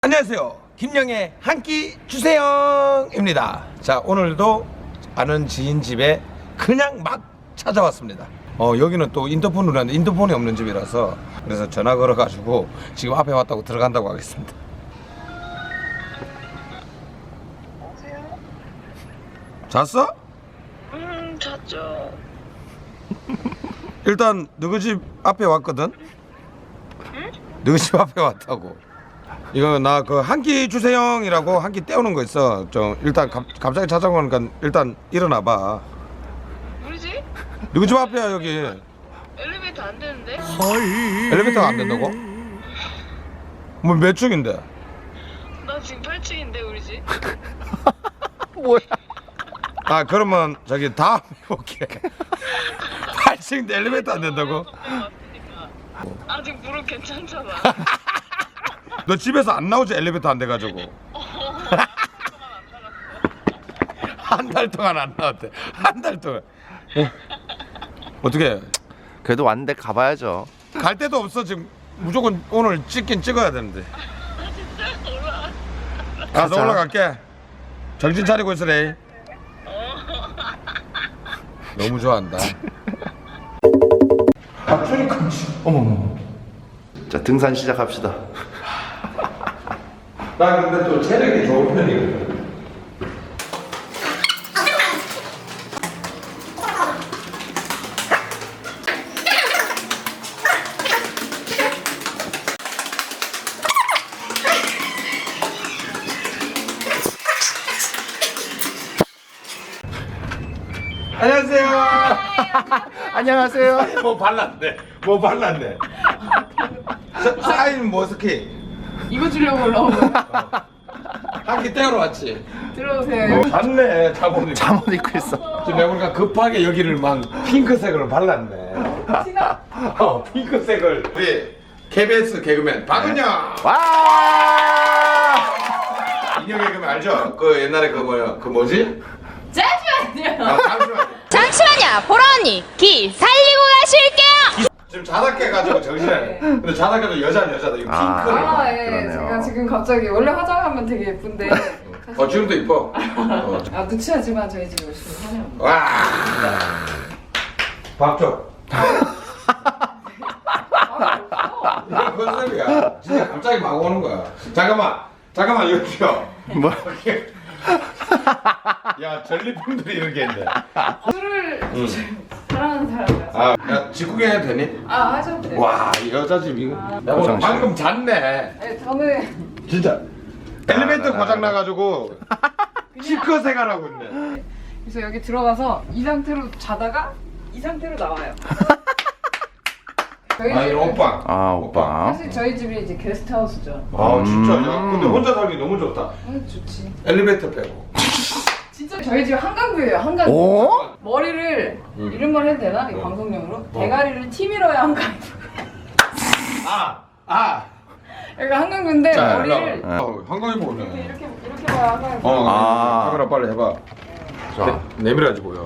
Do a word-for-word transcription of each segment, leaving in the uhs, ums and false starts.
안녕하세요. 김영의 한 끼 주세요입니다. 자, 오늘도 아는 지인 집에 그냥 막 찾아왔습니다. 어, 여기는 또 인터폰으로 하는데 인터폰이 없는 집이라서 그래서 전화 걸어가지고 지금 앞에 왔다고 들어간다고 하겠습니다. 여보세요? 잤어? 음, 잤죠. 일단 너희 집 앞에 왔거든? 응? 너희 집 앞에 왔다고. 이거 나 그 한 끼 주세요이라고 한 끼 때우는 거 있어. 좀 일단 갑, 갑자기 찾아오니까 일단 일어나봐. 우리 집? 너희 집 앞이야 여기. 엘리베이터 안 되는데? 엘리베이터가 안 된다고? 뭐 몇 층인데? 나 지금 팔 층인데 우리 집? 뭐야? 아 그러면 저기 다음 해볼게. 팔 층인데 엘리베이터 안 된다고? 아직 무릎 괜찮잖아. 너 집에서 안 나오지 엘리베이터 안 돼가지고. 한 달 동안 안 나왔대. 한 달 동안. 어. 어떻게? 그래도 왔는데 가봐야죠. 갈 데도 없어 지금. 무조건 오늘 찍긴 찍어야 되는데. 진짜 올라. 가서 가자. 올라갈게. 정신 차리고 있으래. 너무 좋아한다. 박준이 깜치. 어머머. 자, 등산 시작합시다. 나 근데 또 체력이 좋은 편이거든. 안녕하세요. 안녕하세요. 뭐 발랐네. 뭐 발랐네. 사- 사인 머스키. 이거 주려고 올라온 거야? 한끼 떼우러 왔지. 들어오세요. 어, 봤네. 자본이. 잠옷 입고 있어. 지금 내가 보니까 급하게 여기를 막 핑크색으로 발랐네. 티나? 어, 핑크색을. 우리 케이비에스 개그맨 박은영. 와! 인형 개그맨 알죠? 그 옛날에 그 뭐야? 그 뭐지? 잠시만요. 아, 잠시만. 잠시만요, 보라 언니, 기 살리고 가실게요. 지금 자다 깨가지고 정신을. 근데 자다 깨도 여자는 여자다. 이거 아. 핑크를. 아, 예. 그러네요. 제가 지금 갑자기 원래 화장하면 되게 예쁜데. 어, 지금도 이뻐. 어. 아, 누추하지만 저희 집 열심히 하네요. 와. 박조. 이게 컨셉이야. 진짜 갑자기 막 오는 거야. 잠깐만. 잠깐만 여기요. 뭐? 야 전리품들이 이렇게 있네. 술을 응. 사랑하는 사람이라서. 아, 야 직구경 해도 되니? 아, 하셔도 돼요. 와, 이 여자 집 이거. 아. 야, 오늘 방금 잤네. 네, 저는 진짜. 아, 엘리베이터 고장 나가지고 시커 생활하고 있네. 그래서 여기 들어가서 이 상태로 자다가 이 상태로 나와요. 저희 아, 이 집은 오빠. 아, 오빠. 사실 저희 집이 이제 게스트하우스죠. 아, 진짜. 야, 음. 근데 혼자 살기 너무 좋다. 음, 좋지. 엘리베이터 빼고. 진짜 저희 집 한강뷰예요. 한강뷰. 오? 머리를 음. 이런 말 해도 되나? 이 어. 방송용으로 대가리를 티밀어야 한강. 아, 아. 여기가 한강뷰인데 자, 머리를 일로 와. 어, 한강이 보네. 이렇게 이렇게 봐야 한강뷰. 어, 아. 카메라 빨리 해봐. 자, 내, 내밀어야지 보여.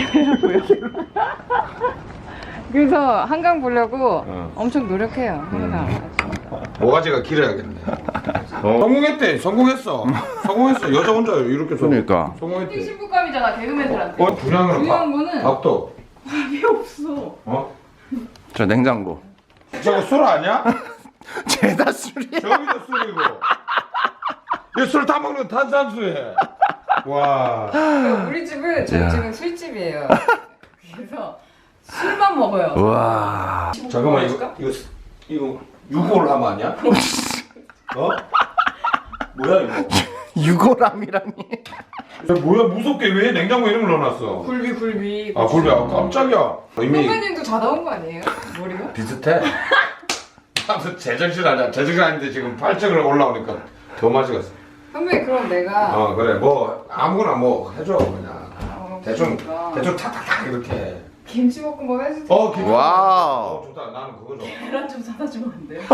그래서 한강 보려고 어. 엄청 노력해요. 항상. 모가지가 길어야겠네. 어. 성공했대. 성공했어. 성공했어. 여자 혼자 이렇게 성- 그러니까. 특히 성공했대. 신부감이잖아 개그맨들한테. 어, 분양으로 중요한 거는 밥도. 밥이 없어. 어? 저 냉장고. 저거 술 아니야? 죄다 술이야. 저기도 술이고. 이 술 다 먹는 탄산수에. 와. 우리 집은 저희 야. 집은 술집이에요. 그래서 술만 먹어요. 와. 잠깐만 이거 이거 이거 유골 하면 아니야? 어? 뭐야 이거? 유골함이라니. 야, 뭐야 무섭게 왜 냉장고에 이런 걸 넣어놨어? 굴비 굴비. 아 굴비 아 깜짝이야. 이미 선배님도 자다 온 거 아니에요? 머리가? 비슷해. 나도 제정신 아니야. 제정신 아닌데 지금 팔 층을 올라오니까 더 맛있었어. 선배 그럼 내가 어 그래 뭐 아무거나 뭐 해줘 그냥. 어, 대충 그러니까. 대충 탁탁탁 이렇게. 김치볶음밥 해주세요. 어 기분. 와우. 어 좋다. 나는 그거 좋아. 계란 좀 사다 주면 안 돼요?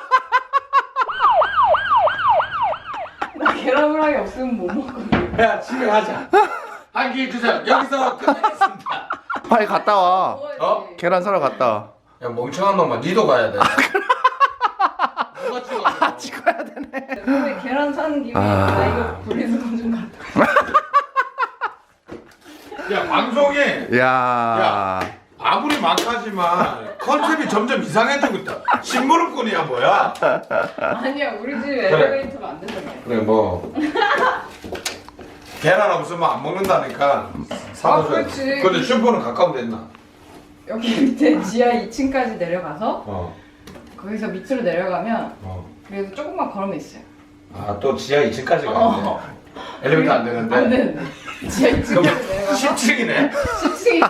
나 계란 후라이 없으면 못 먹거든. 야 집에 가자. 한 끼 주세요. 여기서 끝내겠습니다. 빨리 갔다 와. 어? 계란 사러 갔다 와. 야 멍청한 놈아 니도 가야 돼. 누가 찍어? 찍어야 되네. 근데 계란 사는 김에 아. 나 이거 분리수거 좀 갖다. 야 방송에 야. 야. 아무리 막하지만 컨셉이 점점 이상해지고 있다. 심부름꾼이야 뭐야? 아니야 우리 집 엘리베이터가 안 된다며. 그래 뭐 계란 없으면 안 먹는다니까 사다 아, 줘야 그렇지. 돼. 근데 슈퍼는 가까운 데 있나? 여기 밑에 지하 이 층까지 내려가서 어. 거기서 밑으로 내려가면 어. 그래서 조금만 걸으면 있어요. 아 또 지하 이 층까지 가는데 어. 엘리베이터 안 되는데? 안 되는데. 지하 이 그럼 층까지 내려가서 십 층이네? 십 층이지.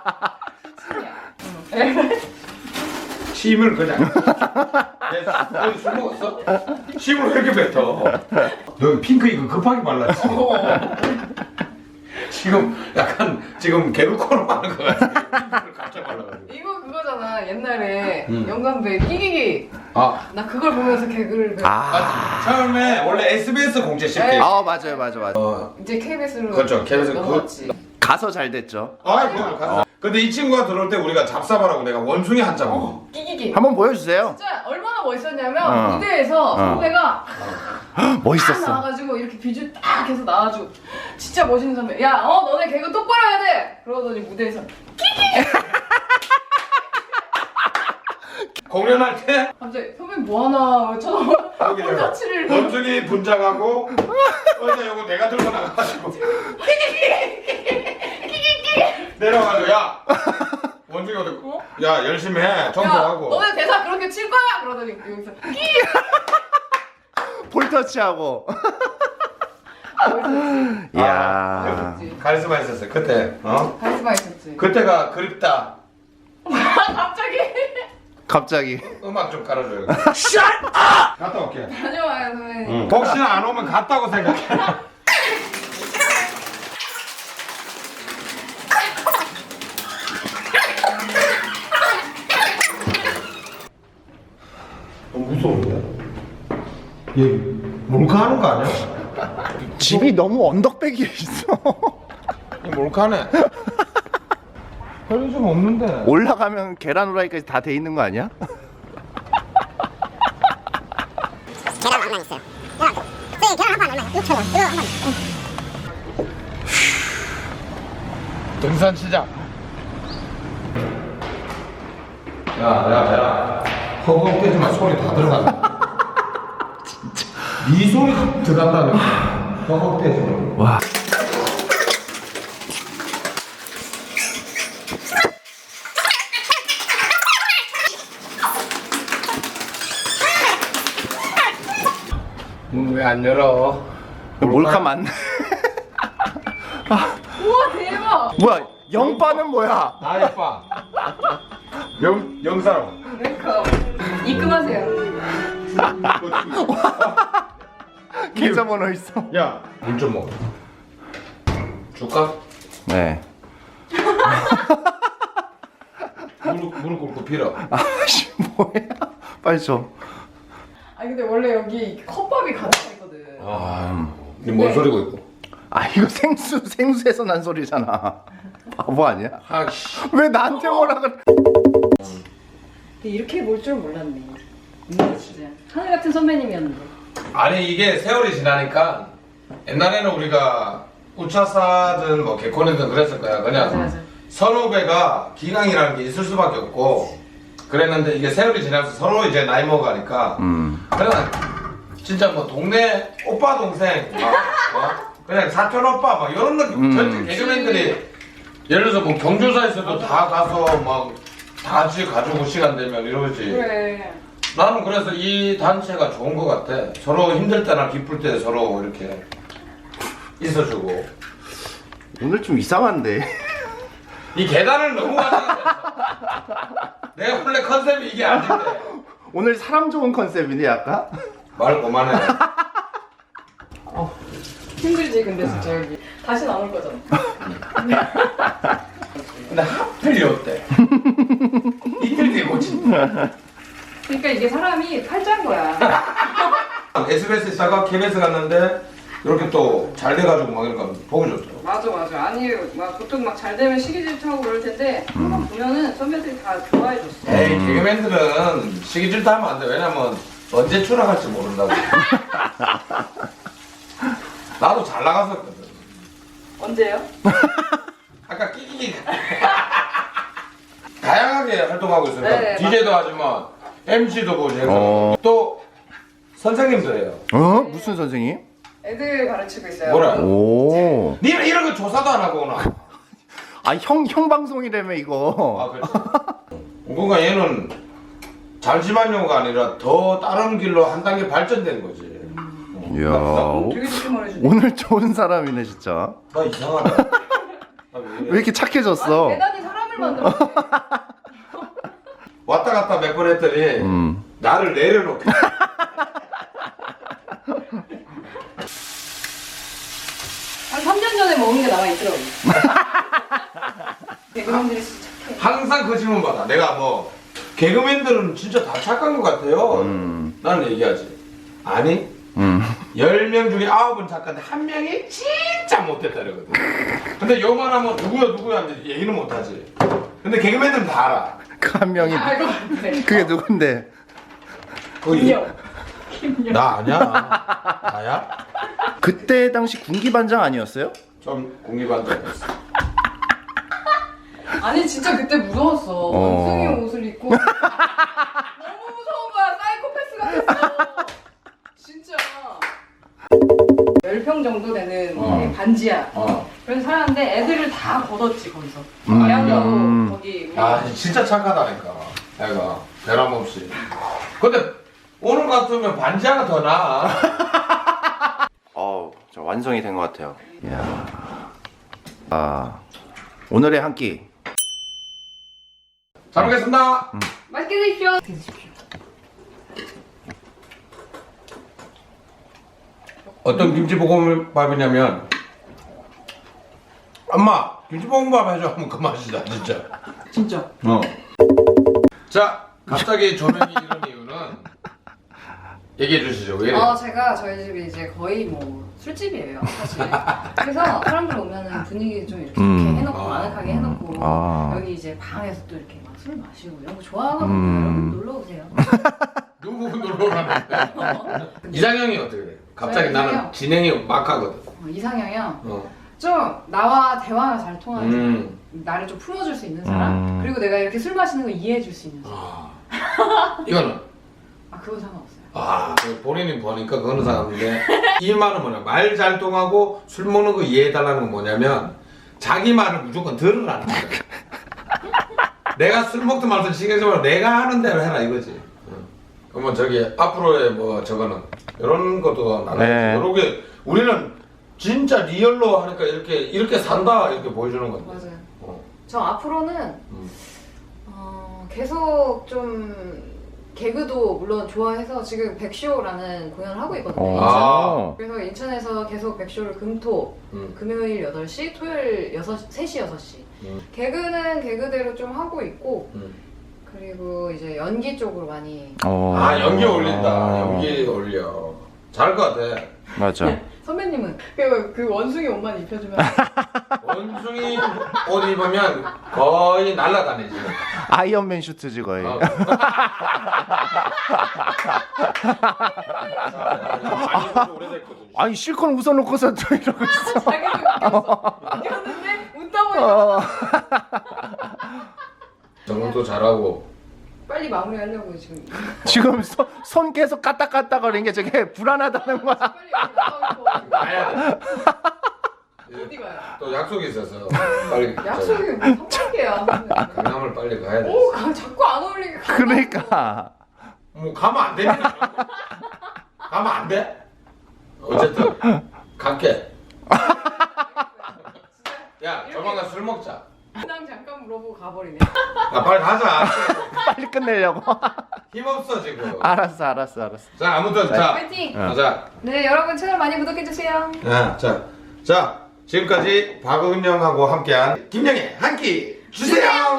응. 침을 그냥 얘 술 먹었어? 침을 왜 이렇게 뱉어? 여기 핑크 이거 급하게 발랐지? 지금 약간 지금 개그코너 하는 거 같아. 핑크를 갑자기 발라가지고. 이거 그거잖아. 옛날에 음. 영감배 끼기기. 아, 나 그걸 보면서 개그를 배웠 아. 맞지. 처음에 원래 에스비에스 공채 십 개. 네. 아 맞아요 맞아 맞아. 어, 이제 케이비에스로 그렇죠. 케이비에스 넘어갔지. 가서 잘 됐죠. 아이 뭐 가자. 근데 이 친구가 들어올 때 우리가 잡사바라고 내가 원숭이 한자 먹어. 어, 끼기기. 한번 보여주세요. 진짜 얼마나 멋있었냐면 어. 무대에서 어. 선배가 딱 멋있었어. 나와가지고 이렇게 비주 딱 해서 나와가지고 진짜 멋있는 선배. 야, 어 너네 개그 똑바로 해야 돼. 그러더니 무대에서 공연할 때 갑자기 선배님 뭐 하나 쳐다봐. 여기 내가 콘서트를 원숭이 분장하고 어제 요거 내가 들고 나가가지고 내려가지고 야 원숭이 어디 어? 야 열심히 해 야, 청소하고 너네 대사 그렇게 칠 거야? 그러더니 여기서 볼터치하고. 멋있었지. 이야. 멋있었지. 카리스마 있었어요 그때 어 카리스마 있었지. 그때가 그립다 갑자기 갑자기. 음악 좀 깔아줘요 샷 아! 갔다 올게 다녀와요 선배님. 응. 혹시나 안 오면 갔다고 생각해 너무 무서운데? 얘 몰카하는 거 아니야? 집이 너무 언덕배기에 있어. 이 몰카네 편의점 없는데 올라가면 계란 후라이까지 다 돼 있는 거 아니야? 계란 얼마 있어요? 계란 선생님 계란 한판 얼마예요? 육천 원 이거 한판 등산 시작 야야야 허공 떼지마 소리 다 들어간다 진짜 네 소리 들어간다는 허공 떼지마 와. 문 왜 안 열어 몰카 맞네. 우와 대박. 뭐야? 영빠는 뭐야? 나이빠 영, 영사로 랭커 입금하세요. 계좌번호 있어. 야 물 좀 먹어 줄까? 네. 무릎, 무릎 꿇고 빌어 아씨 뭐야? 빨리 줘. 아니 근데 원래 여기 컵밥이 가득 있거든. 니뭔 네. 소리고 있고 아 이거 생수 생수에서 난 소리잖아. 바보 아니야? 아씨 왜 나한테 뭐라 그래? 근데 이렇게 볼 줄 몰랐네. 음, 진짜 하늘 같은 선배님이었는데. 아니 이게 세월이 지나니까 옛날에는 우리가 우차사든 뭐 개콘이든 그랬을 거야 그냥 맞아, 맞아. 선후배가 기강이라는 게 있을 수밖에 없고 그랬는데 이게 세월이 지나면서 서로 이제 나이 먹어가니까 음. 그냥 진짜 뭐 동네 오빠 동생 막, 어? 그냥 사촌 오빠 막 이런 느낌 음. 전체 개그맨들이 예를 들어서 뭐 경조사에서도 다 가서 막 다 같이 가지고 시간 되면 이러지 그래. 나는 그래서 이 단체가 좋은 것 같아. 서로 힘들 때나 기쁠 때 서로 이렇게 있어주고. 오늘 좀 이상한데. 이 계단을 너무 많이 했어. 내가 원래 컨셉이 이게 아닌데. 오늘 사람 좋은 컨셉이네 약간. 말 그만해. 힘들지 근데 진짜 여기 다시 안 올 거잖아. 근데 하필 이었대. 이틀 뒤에 고친다. 그러니까 이게 사람이 팔자인 거야. 에스비에스 있다가 케이비에스 갔는데 이렇게 또 잘 돼가지고 막 이러니까 보기 좋더라고. 맞아 맞아. 아니 막 보통 막 잘 되면 시기 질투하고 그럴 텐데 한번 보면은 선배들이 다 좋아해줬어. 에이 개그맨들은 시기 질투하면 안 돼. 왜냐면 언제 추락할지 모른다고. 나도 잘 나갔었거든. 언제요? 아까 끼끼기. 다양하게 활동하고 있으니까 네, 디제이도 하지만 엠시도 보고 어. 또 선생님도 해요. 어? 무슨 선생님? 애들 가르치고 있어요. 뭐라? 오. 니는 이런 거 조사도 안 하고 오나? 아, 형, 형 방송이라며, 이거. 아 그렇지. 그러니까 얘는 잠시만요가 아니라 더 다른 길로 한 단계 발전된 거지. 이야. 되게 좋게 말해주네. 오늘 좋은 사람이네, 진짜. 나 이상하다. 나 왜 왜 이래? 이렇게 착해졌어? 아니, 대단히 사람을 만들었네. 왔다 갔다 몇 번 했더니 음. 나를 내려놓게. 한 삼 년 전에 먹은 게 남아 있더라고. 개그맨들이 진짜 착해. 항상 그 질문 받아. 내가 뭐 개그맨들은 진짜 다 착한 것 같아요. 음. 나는 얘기하지. 아니 음. 열 명 중에 아홉은 착한데 한 명이 진짜 못됐다 이러거든. 근데 요만하면 누구야 누구야 하는데 얘기는 못하지. 근데 개그맨들은 다 알아. 그 한 명이. 아, 이거 안 돼. 그게 누군데? 그 김영. 나 아니야. 나야? 그때 당시 군기반장 아니었어요? 좀 공기반장이었어. 아니 진짜 그때 무서웠어. 어. 원숭이 옷을 입고 너무 무서운 거야. 사이코패스 같았어. 진짜. 열 평 정도 되는 어. 반지야. 어. 그래서 살았는데 애들을 다 걷었지 거기서. 음. 대학로 음. 거기. 우리 아 진짜 착하다니까. 애가 변함없이. 근데 오늘 같으면 반지하가 더 나아. 어, 저 완성이 된 것 같아요. 이야. 아, 오늘의 한 끼. 잘 먹겠습니다. 맛있게 드십시오. 드십시오. 어떤 김치볶음밥이냐면 엄마 김치볶음밥 해줘 하면 그 맛이다 진짜. 진짜. 어. 자 갑자기 조명이 이런 이유는 얘기해 주시죠. 왜 이래요? 어 제가 저희 집이 이제 거의 뭐 술집이에요 사실. 그래서 사람들 오면은 분위기 좀 이렇게 음. 좋게 해놓고 아. 아늑하게 해놓고 아. 여기 이제 방에서 또 이렇게 막 술 마시고 이런 거 좋아하거든요. 음. 여러분 놀러 오세요. 누구 놀러 오라는데? 이상형이 어떻게 돼? 갑자기 네, 나는 이상형. 진행이 막 하거든. 어, 이상형이요. 어. 좀 나와 대화가 잘 통하는 사람, 음. 나를 좀 품어줄 수 있는 사람, 음. 그리고 내가 이렇게 술 마시는 거 이해해줄 수 있는 사람. 아. 이거는 아 그거 상관없어요. 아 그 본인이 보니까 그거는 상관없는데 이 말은 뭐냐 말 잘 통하고 술 먹는 거 이해해달라는 건 뭐냐면 자기 말을 무조건 들으라는 거야. 내가 술 먹든 말든 신경 쓰지 말고 내가 하는 대로 해라 이거지. 응. 그러면 저기 앞으로의 뭐 저거는 이런 것도 나가야지. 네. 이렇게 우리는 진짜 리얼로 하니까 이렇게 이렇게 산다 이렇게 보여주는 건데. 맞아요. 어. 저 앞으로는 음. 어, 계속 좀 개그도 물론 좋아해서 지금 백쇼라는 공연을 하고 있거든요. 인천. 아. 그래서 인천에서 계속 백쇼를 금토, 음. 금요일 여덟 시, 토요일 여섯, 세 시, 여섯 시. 음. 개그는 개그대로 좀 하고 있고, 음. 그리고 이제 연기 쪽으로 많이. 어. 아 연기 올린다. 연기 올려. 잘할 것 같아. 맞아. 선배님은 그, 그 원숭이 옷만 입혀주면 원숭이 옷 입으면 거의 날아다니지. 아이언맨 슈트지 거의. 어. 오래됐거든. 아니 실컷 웃어놓고서 또 이러고 있어. 자기도 웃겼어. 웃겼는데 웃다 보니까 어. 정도 잘하고. 빨리 마무리하려고 지금. 지금 손, 손 계속 까딱까딱거리는 게 저게 불안하다는 거야. 빨리 여기 나가고 싶어. 가야 돼. 어디 가요? 또 약속이 있어서 빨리. 약속이 뭐 성관계야. 강남을 빨리 가야 돼. 오, 가, 자꾸 안 어울리게 가. 그러니까. 뭐 가면 안 되니까. 가면 안 돼? 어쨌든 갈게. 야, 조만간 술 먹자. 그냥 잠깐 물어보고 가버리네. 야, 빨리 가자. 빨리 끝내려고. 힘 없어 지금. 알았어 알았어 알았어. 자, 아무튼 자, 파이팅! 가자. 네, 여러분 채널 많이 구독해주세요. 야, 자, 자, 지금까지 박은영하고 함께한 김영의 한 끼 주세요.